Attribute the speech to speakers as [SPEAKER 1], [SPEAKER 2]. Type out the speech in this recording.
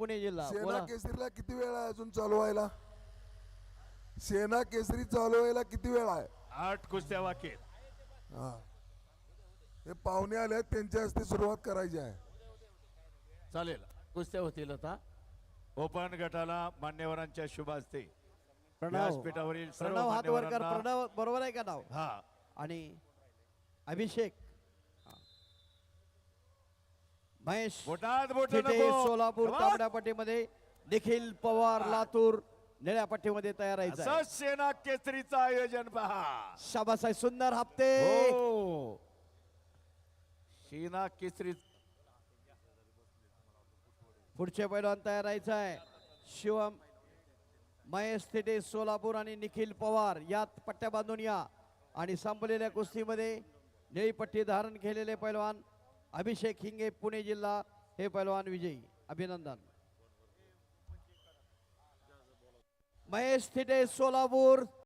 [SPEAKER 1] पुणे जिल्हा.
[SPEAKER 2] सेना
[SPEAKER 1] बोला.
[SPEAKER 2] केसरीला किती वेळ आहे अजून चालू व्हायला? सेना केसरी चालू व्हायला किती वेळ आहे?
[SPEAKER 3] 8 कुस्त्या बाकी आहेत.
[SPEAKER 2] हा, हे पाहुणे आले आहेत, त्यांच्या हस्ते सुरुवात करायची आहे.
[SPEAKER 1] चालेल, कुस्त्या होतील आता.
[SPEAKER 3] ओपन गटाला मान्यवरांच्या शुभ हस्ते
[SPEAKER 1] प्रणव
[SPEAKER 3] व्यासपीठावरील सर्व
[SPEAKER 1] प्रणव हात वर कर.
[SPEAKER 3] मान्यवरांना
[SPEAKER 1] प्रणव बरोबर आहे का नाव?
[SPEAKER 3] हा
[SPEAKER 1] आणि अभिषेक महेश
[SPEAKER 3] बोटात बोट
[SPEAKER 1] थिटे,
[SPEAKER 3] नको.
[SPEAKER 1] Solapur
[SPEAKER 3] Come on.
[SPEAKER 1] तांबड्या पट्टीमध्ये, निखिल पवार लातूर निळ्या पट्टीमध्ये तयार आहे.
[SPEAKER 3] असं सेना केसरीचं आयोजन पहा.
[SPEAKER 1] शाबास आहे, सुंदर हप्ते.
[SPEAKER 3] हो सेना केसरी
[SPEAKER 1] पुढचे पैलवान तयार राहायचं आहे. शिवम महेश थिटे सोलापूर आणि निखिल पवार यात पट्ट्या बांधून या. आणि संपलेल्या कुस्तीमध्ये निळी पट्टी धारण केलेले पैलवान अभिषेक हिंगे पुणे जिल्हा हे पैलवान विजयी. अभिनंदन. महेश थिटे सोलापूर